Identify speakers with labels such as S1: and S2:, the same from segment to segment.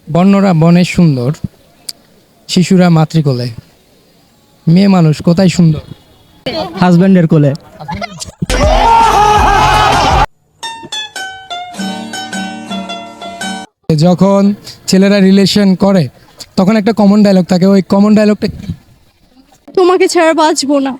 S1: বন্যরা বনে সুন্দর, শিশুরা মাতৃকোলে, মেয়ে মানুষ কোথায় সুন্দর?
S2: হাজবেন্ডের কোলে।
S1: যখন ছেলেরা রিলেশন করে তখন একটা কমন ডায়লগ থাকে, ওই কমন ডায়লগটা
S3: তোমাকে ছাড়া বাঁচবো না।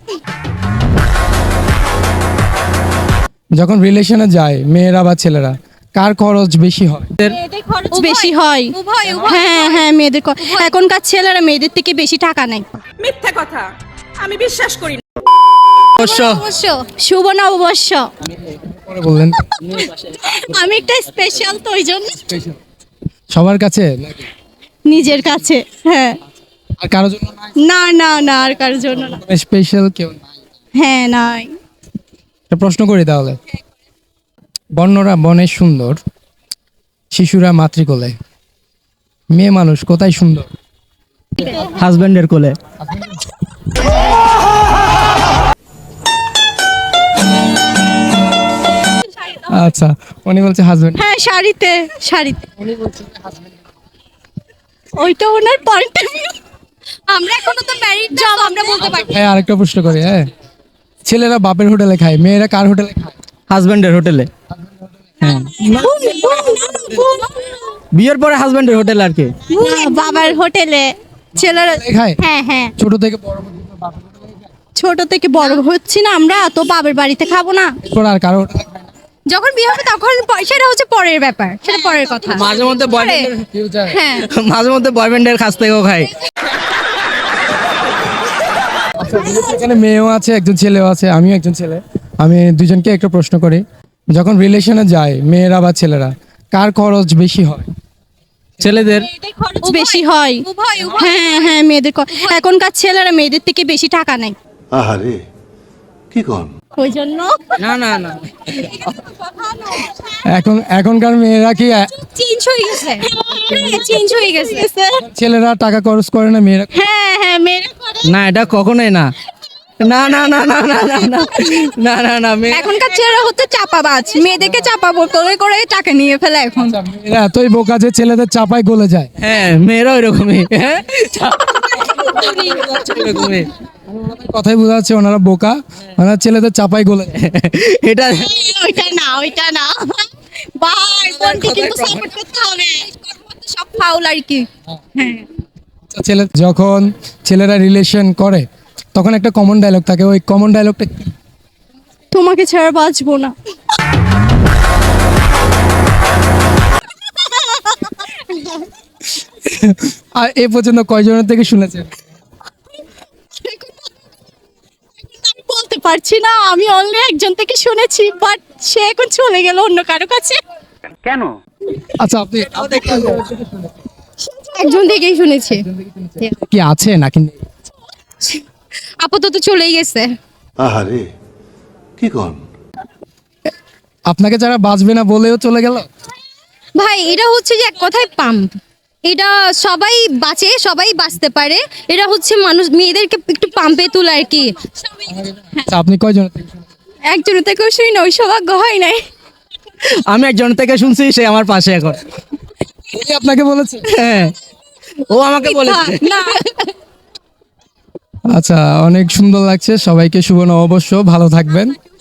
S1: যখন রিলেশনে যায় মেয়েরা বা ছেলেরা, কার খরচ বেশি হয়?
S3: বেশি হয়। হ্যাঁ হ্যাঁ, মেয়েদের এখনকার ছেলেরা মেয়েদের থেকে বেশি টাকা নেয়।
S4: মিথ্যা কথা, আমি বিশ্বাস করি না।
S2: অবশ্য
S3: শুভ নববর্ষ।
S1: পরে বললেন
S3: আমি একটা স্পেশাল, তো ওই জন্য
S1: সবার কাছে নাকি?
S3: নিজের কাছে। হ্যাঁ,
S1: আর কারোর জন্য নাই?
S3: না না না, আর কারোর জন্য না।
S1: স্পেশাল কেউ নাই?
S3: হ্যাঁ, নাই।
S1: একটা প্রশ্ন করি তাহলে, বন্যরা বনে সুন্দর, শিশুরা মাতৃকোলে, মেয়ে মানুষ কোথায় সুন্দর?
S2: হাজবেন্ডের কোলে।
S1: আচ্ছা, উনি বলছে হাজবেন্ড।
S3: হ্যাঁ, শাড়িতে শাড়িতে। ওইটা ওনার পয়েন্ট। আমরা এখনো তো ম্যারিড না, আমরা বলতে পারি।
S1: হ্যাঁ, আরেকটা প্রশ্ন করি। হ্যাঁ, ছেলেরা বাপের হোটেলে খায়, মেয়েরা কার হোটেলে খায়?
S2: হাজবেন্ডের হোটেলে। হ্যাঁ, বিয়ের পরে হাজবেন্ডের হোটেল আর কি।
S3: বাবার হোটেলে ছেলেরা
S1: খায়?
S3: হ্যাঁ হ্যাঁ,
S1: ছোট থেকে বড় পর্যন্ত বাপের হোটেলে খায়?
S3: ছোট থেকে বড় হচ্ছি না আমরা, তো বাবার বাড়িতে খাবো না?
S1: এরপর আর কারো হোটেলে খায় না?
S3: যখন বিয়ে হবে তখন সেটা হচ্ছে পরের ব্যাপার, সেটা পরের কথা।
S2: মাঝে মধ্যে
S1: কেউ যায়?
S3: হ্যাঁ,
S2: মাঝে মধ্যে বয়ফ্রেন্ডের কাছ থেকেও খাই।
S1: আচ্ছা, যেহেতু এখানে মেয়েও আছে, একজন ছেলেও আছে, আমিও একজন ছেলে, আমি দুজনকে একটা প্রশ্ন করি। যখন রিলেশনে যায় মেয়েরা বা ছেলেরা, কার খরচ বেশি হয়?
S2: ছেলেদের।
S3: বেশি হয়। হ্যাঁ হ্যাঁ, মেয়েদের এখনকার ছেলেরা মেয়েদের থেকে বেশি টাকা নেয়।
S5: আহারে কি কন?
S3: ওই জন্য
S2: না না না,
S1: এখনকার মেয়েরা কি
S3: চেঞ্জ হয়ে গেছে। চেঞ্জ হয়ে গেছে।
S1: ছেলেরা টাকা খরচ করে না, মেয়েরা?
S3: হ্যাঁ হ্যাঁ, মেয়েরা করে।
S2: না এটা কখনোই না। না না না না না না না না না না
S3: এখনকার ছেলেরা হচ্ছে চাপাবাজ, মেয়েদেরকে চাপাবো করে করে টাকা নিয়ে ফেলে এখন।
S1: মেয়েরা এতই বোকা যে ছেলেদের চাপায় গলে যায়।
S2: হ্যাঁ, মেয়েরা ওইরকমই। হ্যাঁ, ওইরকমই।
S1: কথাই বোঝা যাচ্ছে ওনারা বোকা, ওনারা ছেলেদের চাপায় গলে যায়।
S2: এটা
S3: ওইটা না, ওইটা না ভাই, কোনটি কিন্তু সাপোর্ট করতে হবে। সব ফাউল আর কি। হ্যাঁ,
S1: যখন ছেলেরা রিলেশন করে তখন একটা কমন ডায়লগ থাকে, ওই কমন ডায়লগটা
S3: তোমাকে ছাড়া বাঁচবো না।
S1: আর এ পর্যন্ত কয়জনের থেকে শুনেছেন?
S3: আমি বলতে পারছি না, আমি অনলি একজন থেকে শুনেছি, বাট সে এখন চলে গেল অন্য কারো কাছে।
S1: আচ্ছা, আপনি
S3: একজন থেকেই শুনেছি।
S1: কি আছে নাকি নেই?
S3: আপাতত চলেই গেছে।
S5: আহারে কি কন?
S1: আপনাকে যারা বাঁচবে না বলেও চলে গেল?
S3: ভাই, এটা হচ্ছে যে এক কথায় পাম্প। এটা সবাই বাঁচে, সবাই বাঁচতে পারে। এটা হচ্ছে মানুষ মেয়েদেরকে একটু পাম্পে তোলা আর কি।
S1: আচ্ছা, আপনি কয়জনের থেকে শুনেছেন?
S3: একজনের থেকেও শুনি না, ওই সৌভাগ্য হয় নাই।
S2: আমি একজন থেকে শুনছি, সে আমার পাশে এখন।
S1: উনি আপনাকে বলেছে?
S2: হ্যাঁ, ও আমাকে বলেছে।
S3: না,
S1: আচ্ছা, অনেক সুন্দর লাগছে। সবাইকে শুভ নববর্ষ, ভালো থাকবেন।